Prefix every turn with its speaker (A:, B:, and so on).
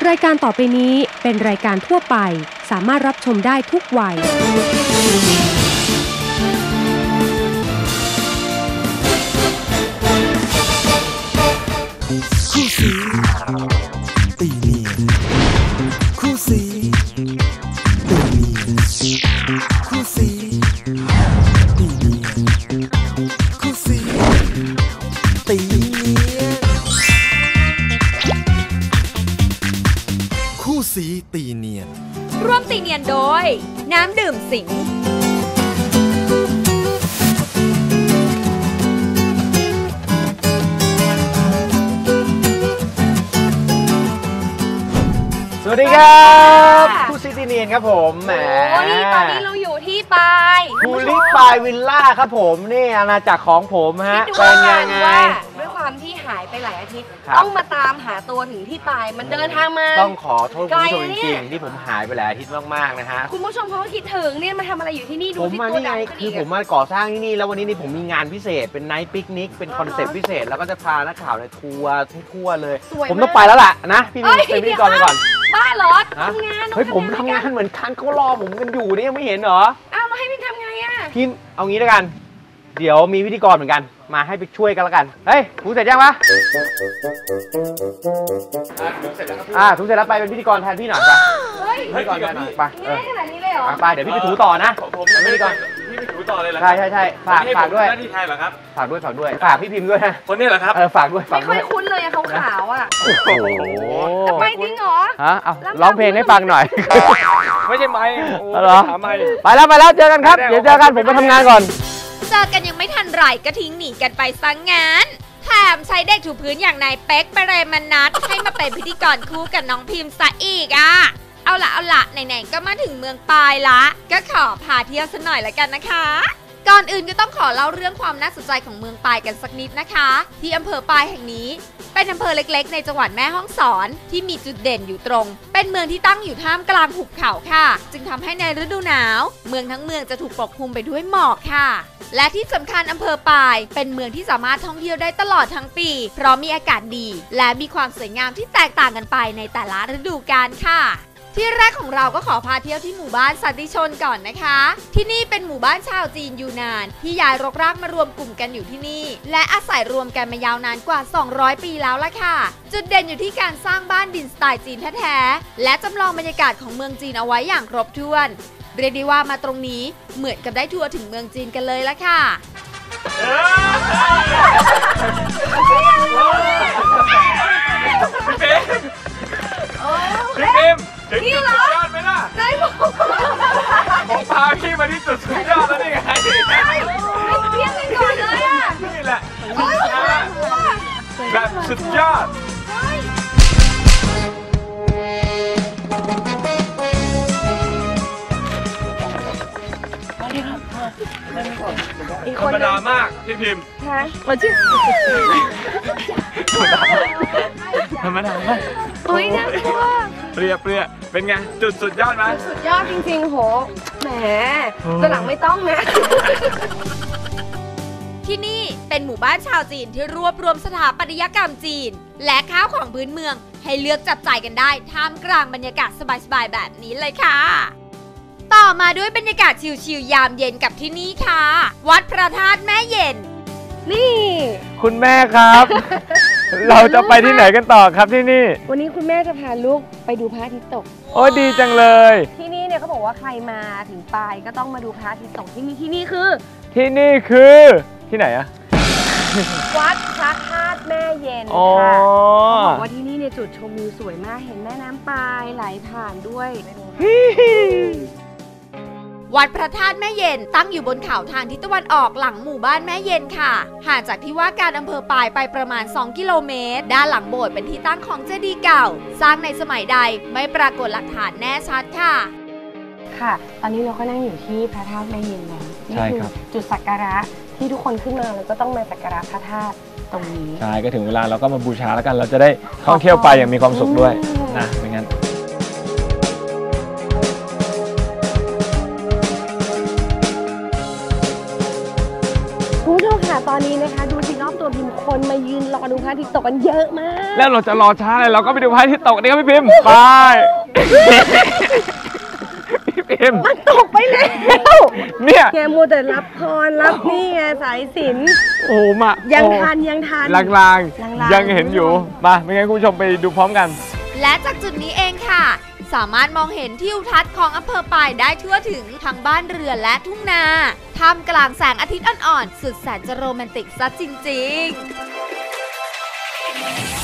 A: รายการต่อไปนี้เป็นรายการทั่วไปสามารถรับชมได้ทุกวัย
B: คู่สีตีเนียนคู่สีตีเนียนคู่สีตีเนียนคู่สีตีเนียนคู่สีตีเนียน
C: ร่วมตีเนียนโดยน้ำดื่มสิง
D: สวัสดีครับคู่ซีตีเนียนครับผมแหม
C: นี่ตอนนี้เราอยู่ที่ปาย
D: คูลิปายวิลล่าครับผมนี่อาณาจักรของผมฮะเป็นยังไง
C: ด้วยความที่หายไปหลายอาทิตย์ต้องมาตามหาตัวถึงที่ปายมันเดินทางมา
D: ต้องขอโทษคุณผู้ชมจริงๆที่ผมหายไปหลายอาทิตย์มากๆนะฮะ
C: คุณผู้ชมเขาก็คิดถึงเนี่ยมาทำอะไรอยู่ที่นี่ดู
D: ที่ตัวดำคือผมมาก่อสร้างที่นี่แล้ววันนี้นี่ผมมีงานพิเศษเป็นไนท์ปิกนิกเป็นคอนเซ็ปต์พิเศษแล้วก็จะพานักข่าวในทัวร์ทั่วเลยผมต้องไปแล้วล่ะนะพี่เป็นพิธีกรไปก่อน
C: บ้าเหรอทำงาน
D: เฮ้ยผมทำงานเหมือนกันเขารอผมกันอยู่นี่ยังไม่เห็นเหรอ
C: อ้าวมาให้พี่ทำไงอ่ะ
D: พี่เอางี้แล้วกันเดี๋ยวมีพิธีกรเหมือนกันมาให้ไปช่วยกันแล้วกันเฮ้ยถูเสร็จยังปะถูเสร็จแล้วไปเป็นพิธีกรแทนพี่หน่อยไปพิธีกรแทนหน่อยไป
C: ขนาดนี้เลยเหรอ
D: ไปเดี๋ยวพี่ไปถูต่อนะ
E: ผมพิธีกรพี่ไปถูต่อเลยเหรอ
D: ใช่ฝากด้วย
E: หน้าที่ไทยเหรอครับ
D: ฝากด้วยฝากพี่พิมพ์ด้วยนะ
E: คนนี้เหรอครับ
D: ฝากด้วย
C: ไม่ค่อยคุ้นเลยอะขาวๆอะ
D: โอ้โห
C: ทำไมจริงเหรอ
D: ฮะเอาร้องเพลงให้ฟังหน่อย
E: ไม่ใช่ไมค์
D: เหรอไปแล้วเจอกันครับเดี๋ยวเจอกันผมไปทำงานก่อน
C: เจอกันยังไม่ทันไรก็ทิ้งหนีกันไปซะงั้นแถมใช้เด็กถูพื้นอย่างนายเป๊กเปรมนัทให้มาเป็นพิธีกรคู่กับน้องพิมพ์ซะอีกอ่ะเอาละไหนๆก็มาถึงเมืองปายละก็ขอพาเที่ยวสักหน่อยละกันนะคะก่อนอื่นก็ต้องขอเล่าเรื่องความน่าสนใจของเมืองปายกันสักนิดนะคะที่อำเภอปายแห่งนี้เป็นอำเภอเล็กๆในจังหวัดแม่ฮ่องสอนที่มีจุดเด่นอยู่ตรงเป็นเมืองที่ตั้งอยู่ท่ามกลางหุบเขาค่ะจึงทำให้ในฤดูหนาวเมืองทั้งเมืองจะถูกปกคลุมไปด้วยหมอกค่ะและที่สำคัญอำเภอปายเป็นเมืองที่สามารถท่องเที่ยวได้ตลอดทั้งปีเพราะมีอากาศดีและมีความสวยงามที่แตกต่างกันไปในแต่ละฤดูกาลค่ะที่แรกของเราก็ขอพาเที่ยวที่หมู่บ้านสันติชนก่อนนะคะที่นี่เป็นหมู่บ้านชาวจีนยูนานที่ย้ายรกรากมารวมกลุ่มกันอยู่ที่นี่และอาศัยรวมกันมายาวนานกว่า200ปีแล้วล่ะค่ะจุดเด่นอยู่ที่การสร้างบ้านดินสไตล์จีนแท้ๆและจำลองบรรยากาศของเมืองจีนเอาไว้อย่างครบถ้วนเรียกได้ว่ามาตรงนี้เหมือนกับได้ทัวร์ถึงเมืองจีนกันเลยล่ะค่ะ
E: พี่พิมถึงจุดสุดยอดไหมล่ะได้ผมพาพี่มาที่จุดสุดยอดแล้วนี่ไง
C: เพี้ยนไปก่อนเลยอ่ะ
E: นี่แหละแบบสุดยอดธรรมดามากพี่พิมพ์
C: มาชื่อ
E: ธรรมดามาก
C: อุ้ยน่ากลัว
E: เปรี้ยเป็นไงจุดสุดยอดไหม
C: สุดยอดจริงๆโหแหมตัวหลังไม่ต้องนะที่นี่เป็นหมู่บ้านชาวจีนที่รวบรวมสถาปัตยกรรมจีนและข้าวของพื้นเมืองให้เลือกจับจ่ายกันได้ท่ามกลางบรรยากาศสบายๆแบบนี้เลยค่ะต่อมาด้วยบรรยากาศชิลๆยามเย็นกับที่นี่ค่ะวัดพระธาตุแม่เย็นนี่
D: คุณแม่ครับ เราจะไปที่ไหนกันต่อครับที่นี่
C: วันนี้คุณแม่จะพาลูกไปดูพระอาทิตย์ตก
D: โอ้ดีจังเลย
C: ที่นี่เนี่ยเขาบอกว่าใครมาถึงปายก็ต้องมาดูพระอาทิตย์ตกที่นี่คือ
D: ที่ไหนอะ
C: วัดพระธาตุแม่เย็นค่ะเขาบอกว่าที่นี่เนี่ยจุดชมวิวสวยมากเห็นแม่น้ำปายไหลผ่านด้วยวัดพระธาตุแม่เย็นตั้งอยู่บนเขาทางทิศตะวันออกหลังหมู่บ้านแม่เย็นค่ะห่างจากที่ว่าการอำเภอปายไปประมาณ2กิโลเมตรด้านหลังโบสถ์เป็นที่ตั้งของเจดีย์เก่าสร้างในสมัยใดไม่ปรากฏหลักฐานแน่ชัดค่ะตอนนี้เราก็นั่งอยู่ที่พระธาตุแม่เย็นแล้วนี่คือจุดสักการะที่ทุกคนขึ้นมาแล้วก็ต้องมาสักการะพระธาตุตรงนี้
D: ใช่ก็ถึงเวลาเราก็มาบูชาแล้วกันเราจะได้ท่องเที่ยวไปอย่างมีความสุขด้วยนะไม่งั้น
C: คุณผู้ชมค่ะตอนนี้นะคะดูสิรอบตัว
F: ตัวพิมพ์คนมายืนรอดูพระอาทิตย์ตกกันเยอะมาก
E: แล้วเราจะรอช้าเลยเราก็ไปดูพระอาทิตย์ตกนี่ครับพี่พิมพ์ไปพี่พิมพ์
F: มันตกไปแล้ว
E: เนี่ย
F: แกมัวแต่รับพรรับนี่ไงสายสิญจน์
E: โอ้มา
F: ยังทัน
E: ลางๆยังเห็นอยู่มาไม่งั้นคุณผู้ชมไปดูพร้อมกัน
C: และจากจุดนี้เองค่ะสามารถมองเห็นทิวทัศน์ของอำเภอปายได้ทั่วถึงทั้งบ้านเรือนและทุ่งนาท่ามกลางแสงอาทิตย์อ่อนๆสุดแสนจะโรแมนติกซะจริงๆ